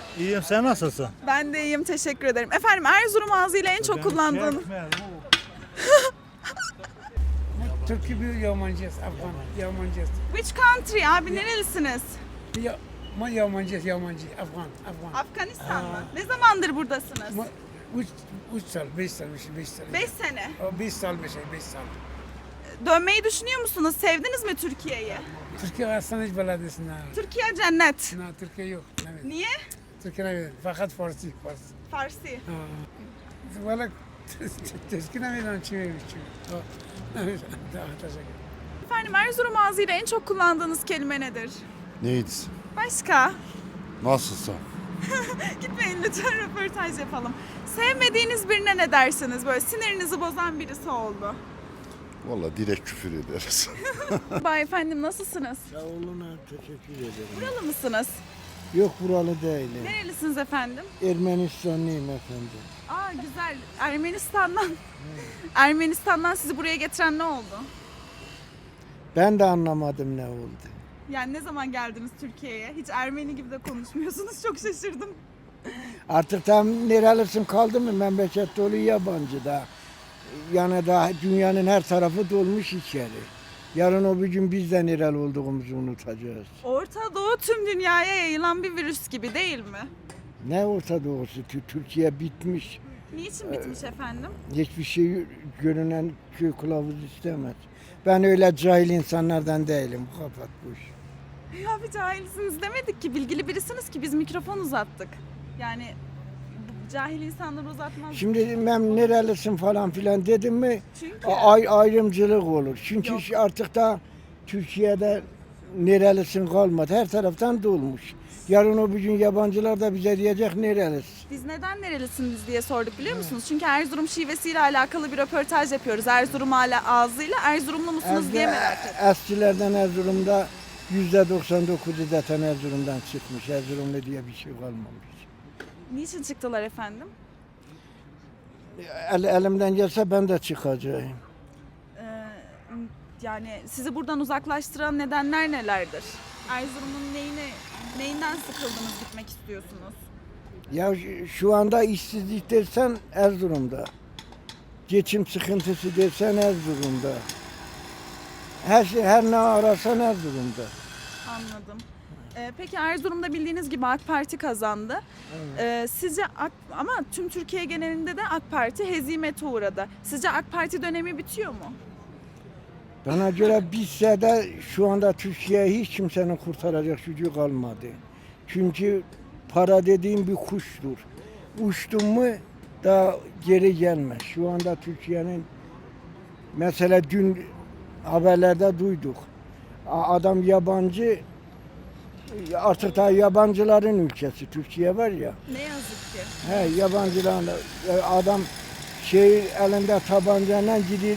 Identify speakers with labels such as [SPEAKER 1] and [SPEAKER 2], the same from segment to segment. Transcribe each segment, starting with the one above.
[SPEAKER 1] İyiyim, sen nasılsın?
[SPEAKER 2] Ben de iyiyim, teşekkür ederim. Efendim Erzurum ağzıyla en çok kullandığın...
[SPEAKER 3] Türkiye bir yabancıyız, Afgan, yabancıyız.
[SPEAKER 2] Which country abi, nerelisiniz?
[SPEAKER 3] Yabancıyız, Afgan.
[SPEAKER 2] Afganistan mı? Ne zamandır buradasınız?
[SPEAKER 3] 3 sal, 5 sal.
[SPEAKER 2] 5 sene.
[SPEAKER 3] 5 sal, 5 sal.
[SPEAKER 2] Dönmeyi düşünüyor musunuz? Sevdiniz mi Türkiye'yi?
[SPEAKER 3] Türkiye Hastaneci Belediyesi'nde.
[SPEAKER 2] Türkiye cennet.
[SPEAKER 3] Türkiye yok. Evet.
[SPEAKER 2] Niye?
[SPEAKER 3] Türkiye evet. Fakat Farsi.
[SPEAKER 2] Farsi.
[SPEAKER 3] Valla teşkil emiyorum çiğneyi. Evet, teşekkür.
[SPEAKER 2] Efendim Erzurum ağzıyla en çok kullandığınız kelime nedir?
[SPEAKER 4] Neydi?
[SPEAKER 2] Başka?
[SPEAKER 4] Nasılsa.
[SPEAKER 2] Gitmeyin lütfen, röportaj yapalım. Sevmediğiniz birine ne dersiniz? Böyle sinirinizi bozan birisi oldu.
[SPEAKER 4] Vallahi direkt küfür ederiz.
[SPEAKER 2] Bay efendim, nasılsınız?
[SPEAKER 5] Sağ olun, teşekkür ederim.
[SPEAKER 2] Buralı mısınız?
[SPEAKER 5] Yok, buralı değilim.
[SPEAKER 2] Nerelisiniz efendim?
[SPEAKER 5] Ermenistanlıyım efendim.
[SPEAKER 2] Aa güzel. Ermenistan'dan sizi buraya getiren ne oldu?
[SPEAKER 5] Ben de anlamadım ne oldu.
[SPEAKER 2] Yani ne zaman geldiniz Türkiye'ye? Hiç Ermeni gibi de konuşmuyorsunuz. Çok şaşırdım.
[SPEAKER 5] Artık tam nerelisin kaldı mı memleket dolu yabancı da. Yani daha dünyanın her tarafı dolmuş içeri. Yarın o bir gün biz de nereli olduğumuzu unutacağız.
[SPEAKER 2] Orta Doğu tüm dünyaya yayılan bir virüs gibi değil mi?
[SPEAKER 5] Ne Orta Doğusu? Türkiye bitmiş.
[SPEAKER 2] Niçin bitmiş efendim?
[SPEAKER 5] Hiçbir şey görünen köy kılavuz istemez. Ben öyle cahil insanlardan değilim. Kapat bu işi.
[SPEAKER 2] Ya bir cahilsiniz demedik ki. Bilgili birisiniz ki biz mikrofon uzattık. Yani cahil insanlar uzatmaz.
[SPEAKER 5] Şimdi ben nerelisin falan filan dedim mi
[SPEAKER 2] Çünkü
[SPEAKER 5] ayrımcılık olur. Çünkü
[SPEAKER 2] Yok.
[SPEAKER 5] artık da Türkiye'de nerelisin kalmadı. Her taraftan dolmuş. Yarın o bir gün yabancılar da bize diyecek nerelisin.
[SPEAKER 2] biz neden nerelisiniz diye sorduk biliyor musunuz? Çünkü Erzurum şivesiyle alakalı bir röportaj yapıyoruz. Erzurum ağzıyla Erzurumlu musunuz diye merak ettim.
[SPEAKER 5] Eskilerden Erzurum'da %99'u zaten Erzurum'dan çıkmış. Erzurumlu diye bir şey kalmamış.
[SPEAKER 2] Niçin çıktılar efendim?
[SPEAKER 5] Elimden gelse ben de çıkacağım.
[SPEAKER 2] Ee, yani sizi buradan uzaklaştıran nedenler nelerdir? Erzurum'un neyinden sıkıldınız, gitmek istiyorsunuz?
[SPEAKER 5] Ya şu anda işsizlik dersen Erzurum'da. Geçim sıkıntısı dersen Erzurum'da. Her ne ararsan Erzurum'da.
[SPEAKER 2] Anladım. Peki Erzurum'da bildiğiniz gibi AK Parti kazandı. Sizce ama tüm Türkiye genelinde de AK Parti hezimete uğradı. Sizce AK Parti dönemi bitiyor mu?
[SPEAKER 5] Bana göre bitse de şu anda Türkiye'yi hiç kimsenin kurtaracak gücü kalmadı. Çünkü para dediğim bir kuştur. Uçtun mu daha geri gelmez. Şu anda Türkiye'nin mesela dün haberlerde duyduk. Adam yabancı, artık daha yabancıların ülkesi Türkiye var ya.
[SPEAKER 2] Ne yazık ki.
[SPEAKER 5] Yabancıların adam elinde tabancayla gidiyor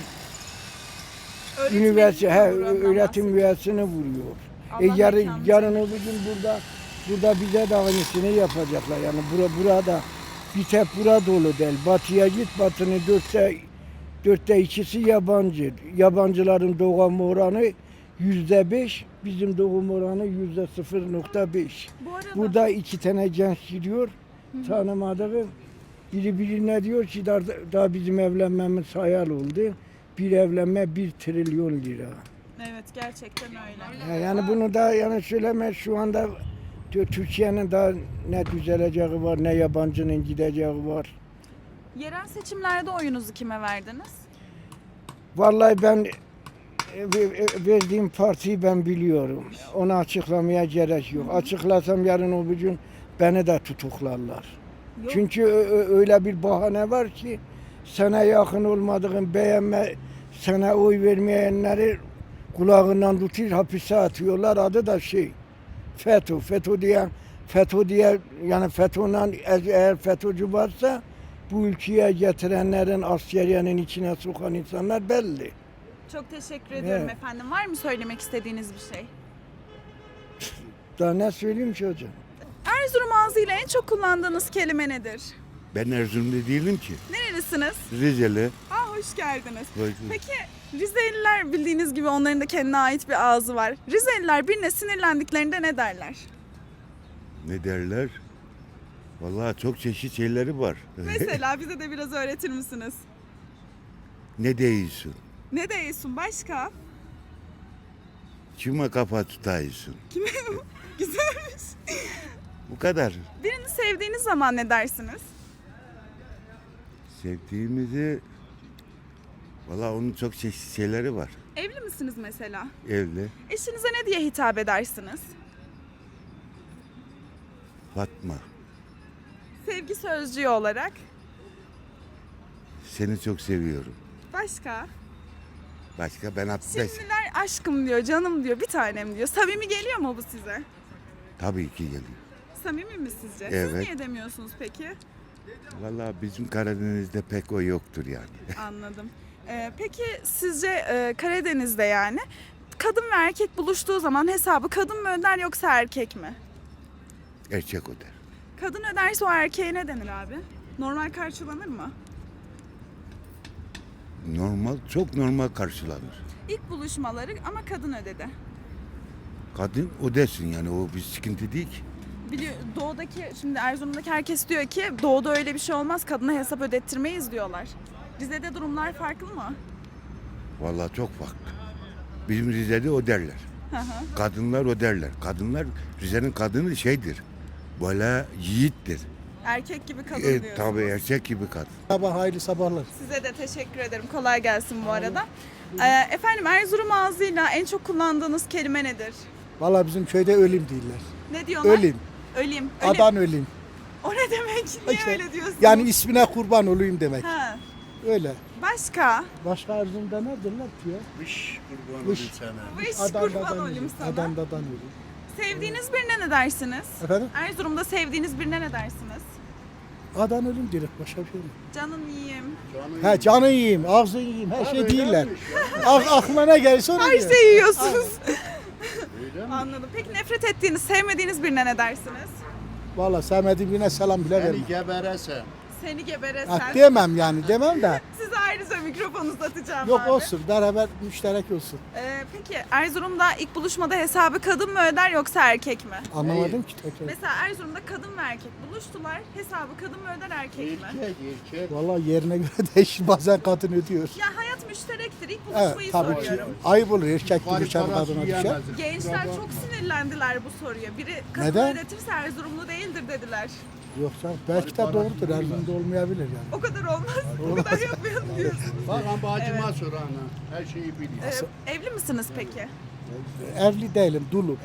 [SPEAKER 5] öğretim üyesini vuruyor.
[SPEAKER 2] Allah mekanını
[SPEAKER 5] Yarın o gün burada bize de aynısını yapacaklar. Yani burada bir tek bura dolu değil. Batıya git, Batı'nın dörtte ikisi yabancı. Yabancıların doğum oranı %5, bizim doğum oranı %0.5.
[SPEAKER 2] Bu arada
[SPEAKER 5] Burada 2 tane genç gidiyor, tanımadığım. Biri ne diyor ki daha bizim evlenmemiz hayal oldu. Bir evlenme 1 trilyon lira.
[SPEAKER 2] evet, gerçekten öyle.
[SPEAKER 5] Yani bunu da yani söyleme, şu anda Türkiye'nin daha ne düzeleceği var, ne yabancının gideceği var.
[SPEAKER 2] Yerel seçimlerde oyunuzu kime verdiniz?
[SPEAKER 5] Vallahi ben verdiğim partiyi ben biliyorum. Onu açıklamaya gerek yok. Açıklasam yarın o bir gün beni de tutuklarlar.
[SPEAKER 2] Yok.
[SPEAKER 5] Çünkü öyle bir bahane var ki sana yakın olmadığın, sana oy vermeyenleri kulağından tutuyor, hapise atıyorlar. Adı da FETÖ. FETÖ diye yani FETÖ'yle eğer FETÖ'cü varsa bu ülkeye getirenlerin, askeriyenin içine sokan insanlar belli.
[SPEAKER 2] Çok teşekkür ediyorum
[SPEAKER 5] Evet.
[SPEAKER 2] efendim. Var mı söylemek istediğiniz bir şey?
[SPEAKER 5] Daha ne söyleyeyim ki hocam?
[SPEAKER 2] Erzurum ağzıyla en çok kullandığınız kelime nedir?
[SPEAKER 4] Ben Erzurum'da değilim ki.
[SPEAKER 2] Nerelisiniz?
[SPEAKER 4] Rizeli.
[SPEAKER 2] Hoş geldiniz. Peki Rizeliler bildiğiniz gibi onların da kendine ait bir ağzı var. Rizeliler birine sinirlendiklerinde ne derler?
[SPEAKER 4] Ne derler? Vallahi çok çeşit şeyleri var.
[SPEAKER 2] Mesela bize de biraz öğretir misiniz?
[SPEAKER 4] Ne değilsin?
[SPEAKER 2] Ne değilsin başka?
[SPEAKER 4] Kime kafa tutaysın?
[SPEAKER 2] Güzelmiş.
[SPEAKER 4] Bu kadar.
[SPEAKER 2] Birini sevdiğiniz zaman ne dersiniz?
[SPEAKER 4] Sevdiğimizi... Vallahi onun çok çeşit şeyleri var.
[SPEAKER 2] Evli misiniz mesela?
[SPEAKER 4] Evli.
[SPEAKER 2] Eşinize ne diye hitap edersiniz?
[SPEAKER 4] Fatma.
[SPEAKER 2] Sevgi sözcüğü olarak.
[SPEAKER 4] Seni çok seviyorum.
[SPEAKER 2] Başka?
[SPEAKER 4] Başka ben
[SPEAKER 2] Şimdiler aşkım diyor, canım diyor, bir tanem diyor. Samimi geliyor mu bu size?
[SPEAKER 4] Tabii ki geliyor.
[SPEAKER 2] Samimi mi sizce? Siz
[SPEAKER 4] Evet.
[SPEAKER 2] niye demiyorsunuz peki?
[SPEAKER 4] Vallahi bizim Karadeniz'de pek o yoktur yani.
[SPEAKER 2] Anladım. Peki sizce Karadeniz'de yani kadın ve erkek buluştuğu zaman hesabı kadın mı öder yoksa erkek mi?
[SPEAKER 4] Erkek öder.
[SPEAKER 2] Kadın öderse o erkeğe ne denir abi? Normal karşılanır mı?
[SPEAKER 4] Normal, çok normal karşılanır.
[SPEAKER 2] İlk buluşmaları ama kadın ödedi.
[SPEAKER 4] Kadın ödesin yani o bir sıkıntı değil ki.
[SPEAKER 2] Biliyor, doğudaki, şimdi Erzurum'daki herkes diyor ki doğuda öyle bir şey olmaz, kadına hesap ödettirmeyiz diyorlar. Rize'de durumlar farklı mı?
[SPEAKER 4] Vallahi çok farklı. Bizim Rize'de öderler.
[SPEAKER 2] Hı hı.
[SPEAKER 4] Kadınlar öderler. Kadınlar, Rize'nin kadını şeydir. Böyle yiğittir.
[SPEAKER 2] Erkek gibi kadın diyorsunuz.
[SPEAKER 4] Tabii erkek gibi kadın.
[SPEAKER 1] Sabah hayırlı sabahlar.
[SPEAKER 2] Size de teşekkür ederim. Kolay gelsin bu arada. Efendim Erzurum ağzıyla en çok kullandığınız kelime nedir?
[SPEAKER 1] Valla bizim köyde ölüm değiller.
[SPEAKER 2] Ne diyorlar?
[SPEAKER 1] Ölüm.
[SPEAKER 2] Öleyim.
[SPEAKER 1] Adan ölüm.
[SPEAKER 2] O ne demek? Niye
[SPEAKER 1] İşte,
[SPEAKER 2] öyle diyorsunuz?
[SPEAKER 1] Yani ismine kurban olayım demek.
[SPEAKER 2] Ha.
[SPEAKER 1] Öyle.
[SPEAKER 2] Başka?
[SPEAKER 1] Başka Erzurum'da ne derler ki ya?
[SPEAKER 4] Vış kurban
[SPEAKER 1] Vış.
[SPEAKER 4] olayım sana.
[SPEAKER 2] Vış
[SPEAKER 1] Adan'dan
[SPEAKER 2] kurban olayım
[SPEAKER 1] ölüm.
[SPEAKER 2] sana.
[SPEAKER 1] Adan'dan ölüm.
[SPEAKER 2] Sevdiğiniz birine ne dersiniz?
[SPEAKER 1] Efendim?
[SPEAKER 2] Erzurum'da sevdiğiniz birine ne dersiniz?
[SPEAKER 1] Adan ölüm direkt başka bir şey mi?
[SPEAKER 2] Canın yiyeyim.
[SPEAKER 1] He canı yiyeyim, ağzını yiyeyim, her şey değiller. Aklına ne gelirse onu
[SPEAKER 2] Her
[SPEAKER 1] diyor.
[SPEAKER 2] şeyi yiyorsunuz. Anladım. Peki nefret ettiğiniz, sevmediğiniz birine ne dersiniz?
[SPEAKER 1] Valla sevmediğim birine selam bile vermem.
[SPEAKER 6] geberese.
[SPEAKER 2] Seni geberesen.
[SPEAKER 1] Ha, demem yani demem de.
[SPEAKER 2] Size ayrıca mikrofonu uzatacağım
[SPEAKER 1] Yok
[SPEAKER 2] abi.
[SPEAKER 1] olsun beraber müşterek olsun.
[SPEAKER 2] Peki Erzurum'da ilk buluşmada hesabı kadın mı öder yoksa erkek mi?
[SPEAKER 1] Anlamadım ki tekrar.
[SPEAKER 2] Mesela Erzurum'da kadın ve erkek buluştular. Hesabı kadın mı öder erkek mi?
[SPEAKER 6] Erkek.
[SPEAKER 1] Valla yerine göre değişir, bazen kadın ödüyor.
[SPEAKER 2] Ya hayat müşterektir. İlk
[SPEAKER 1] Evet
[SPEAKER 2] buluşmayı
[SPEAKER 1] tabii ki
[SPEAKER 2] soruyorum.
[SPEAKER 1] ayıp olur erkek buluşan kadına düşer.
[SPEAKER 2] Gençler çok sinirlendiler bu soruya. Biri kadın
[SPEAKER 1] Neden?
[SPEAKER 2] ödetirse Erzurumlu değildir dediler.
[SPEAKER 1] Yok canım belki de doğrudur Erzurum'da olmayabilir yani.
[SPEAKER 2] O kadar olmaz. O kadar yapmayalım diyorsun.
[SPEAKER 6] Bakan bacıma sor ana. Her şeyi biliyor.
[SPEAKER 2] Evli misiniz peki?
[SPEAKER 1] Evli değilim dulum.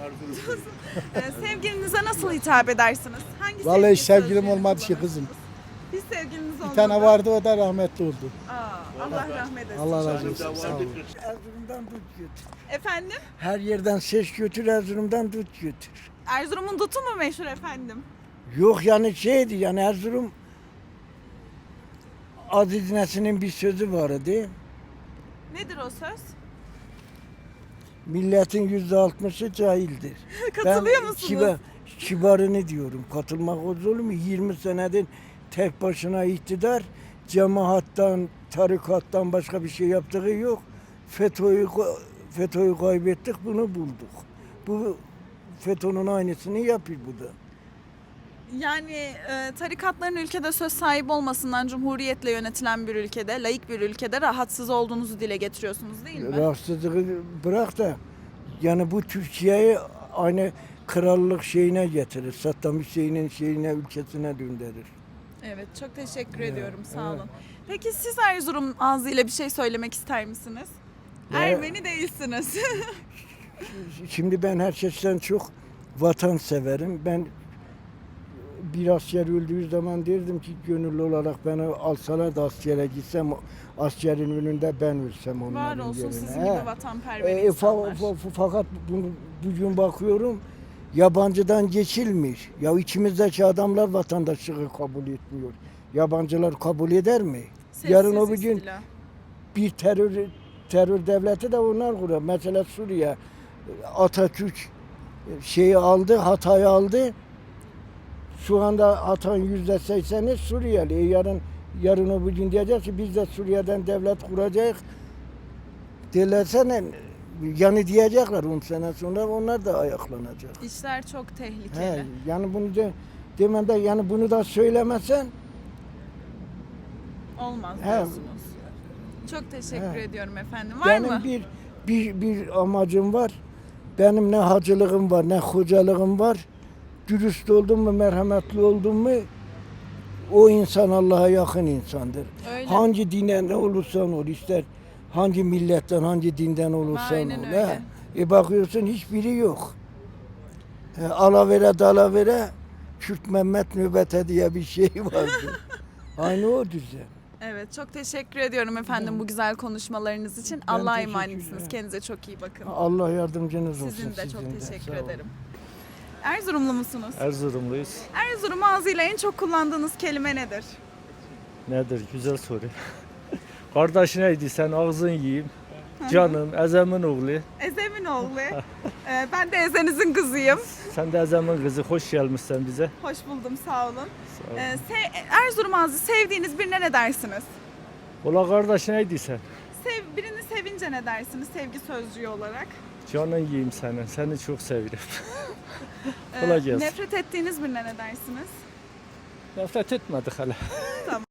[SPEAKER 2] Sevgilinize nasıl hitap edersiniz? Hangi
[SPEAKER 1] Vallahi
[SPEAKER 2] sevgi
[SPEAKER 1] hiç sevgilim
[SPEAKER 2] sözcüğünü
[SPEAKER 1] olmadı ki kızım.
[SPEAKER 2] kullanırsınız? Hiç sevgiliniz olmadı.
[SPEAKER 1] Bir tane vardı o da rahmetli oldu.
[SPEAKER 2] Allah rahmet eylesin.
[SPEAKER 1] Allah razı olsun. Sağ olun.
[SPEAKER 5] Erzurum'dan tut götür.
[SPEAKER 2] Efendim?
[SPEAKER 5] Her yerden ses götür, Erzurum'dan tut götür.
[SPEAKER 2] Erzurum'un dutu mu meşhur efendim?
[SPEAKER 5] Yok yani şeydi yani Erzurum Aziz Nesin'in bir sözü vardı.
[SPEAKER 2] Nedir o söz?
[SPEAKER 5] Milletin %60'ı cahildir.
[SPEAKER 2] Katılıyor musunuz?
[SPEAKER 5] Kibarını diyorum. Katılmak olur mu? 20 senedir tek başına iktidar, cemaattan, tarikattan başka bir şey yaptığı yok. FETÖ'yü kaybettik, bunu bulduk. Bu FETÖ'nün aynısını yapıyor bu da.
[SPEAKER 2] Yani tarikatların ülkede söz sahibi olmasından cumhuriyetle yönetilen bir ülkede, laik bir ülkede rahatsız olduğunuzu dile getiriyorsunuz değil mi?
[SPEAKER 5] Rahatsızlığı bırak da yani bu Türkiye'yi aynı krallık şeyine getirir. Saddam Hüseyin'in şeyine, ülkesine döndürür.
[SPEAKER 2] Evet, çok teşekkür ediyorum. Sağ olun. Peki siz Erzurum ağzıyla bir şey söylemek ister misiniz?
[SPEAKER 5] Ya-
[SPEAKER 2] Ermeni değilsiniz.
[SPEAKER 5] Şimdi ben herkesten çok vatan severim. Ben bir asker öldüğü zaman derdim ki gönüllü olarak beni alsalar da askere gitsem askerin önünde ben ölsem onların
[SPEAKER 2] Var olsun
[SPEAKER 5] yerine.
[SPEAKER 2] sizin
[SPEAKER 5] He.
[SPEAKER 2] gibi vatanperver insanlar.
[SPEAKER 5] Fakat bugün bakıyorum yabancıdan geçilmiş. Ya içimizdeki adamlar vatandaşlığı kabul etmiyor. Yabancılar kabul eder mi? Yarın o
[SPEAKER 2] Sessiz
[SPEAKER 5] gün
[SPEAKER 2] istila.
[SPEAKER 5] bir terör devleti de onlar kuruyor. Mesela Suriye Atatürk şeyi aldı, Hatay'ı aldı. Şu anda Hatay'ın %80'i Suriyeli. Yarın o gün diyecek ki biz de Suriye'den devlet kuracağız. Derlerse ne? Yani diyecekler 10 sene sonra onlar da ayaklanacak.
[SPEAKER 2] İşler çok tehlikeli.
[SPEAKER 5] He, yani bunu da Demende yani bunu da söylemesen
[SPEAKER 2] Olmaz
[SPEAKER 5] He.
[SPEAKER 2] diyorsunuz. Çok teşekkür
[SPEAKER 5] He.
[SPEAKER 2] ediyorum efendim. Var
[SPEAKER 5] benim
[SPEAKER 2] mı?
[SPEAKER 5] bir amacım var. Benim ne hacılığım var, ne hocalığım var. Dürüst oldum mu, merhametli oldum mu o insan Allah'a yakın insandır.
[SPEAKER 2] Öyle.
[SPEAKER 5] Hangi dinden olursan ol, ister hangi milletten, hangi dinden olursan
[SPEAKER 2] Aynen
[SPEAKER 5] ol.
[SPEAKER 2] öyle.
[SPEAKER 5] Bakıyorsun hiçbiri yok. Alavere dalavere Kürt Mehmet nöbete diye bir şey vardı. Aynı o düzen.
[SPEAKER 2] Evet, çok teşekkür ediyorum efendim bu güzel konuşmalarınız için.
[SPEAKER 5] Ben
[SPEAKER 2] Allah'a
[SPEAKER 5] teşekkür
[SPEAKER 2] emanetsiniz.
[SPEAKER 5] ederim.
[SPEAKER 2] Kendinize çok iyi bakın.
[SPEAKER 5] Allah yardımcınız olsun.
[SPEAKER 2] Sizin de çok
[SPEAKER 5] sizin de.
[SPEAKER 2] teşekkür
[SPEAKER 5] Sağ olun.
[SPEAKER 2] ederim. Erzurumlu musunuz?
[SPEAKER 7] Erzurumluyuz.
[SPEAKER 2] Erzurum ağzıyla en çok kullandığınız kelime nedir?
[SPEAKER 7] Nedir? Güzel soru. Kardeş neydi? Sen ağzın yiyeyim. Canım, Ezem'in oğlu.
[SPEAKER 2] Ezemin oğlu. Ben de Ezenizin kızıyım.
[SPEAKER 7] Sen de Ezem'in kızı. Hoş gelmişsin bize.
[SPEAKER 2] Hoş buldum, sağ olun.
[SPEAKER 7] Sağ ol.
[SPEAKER 2] Erzurum ağzı sevdiğiniz birine ne dersiniz?
[SPEAKER 7] Ola kardeş neydi sen?
[SPEAKER 2] Birini sevince ne dersiniz sevgi sözcüğü olarak?
[SPEAKER 7] Canın yiyeyim senin. Seni çok seviyorum. Kolay gelsin.
[SPEAKER 2] Nefret ettiğiniz birine ne dersiniz?
[SPEAKER 7] Nefret etmedik hala.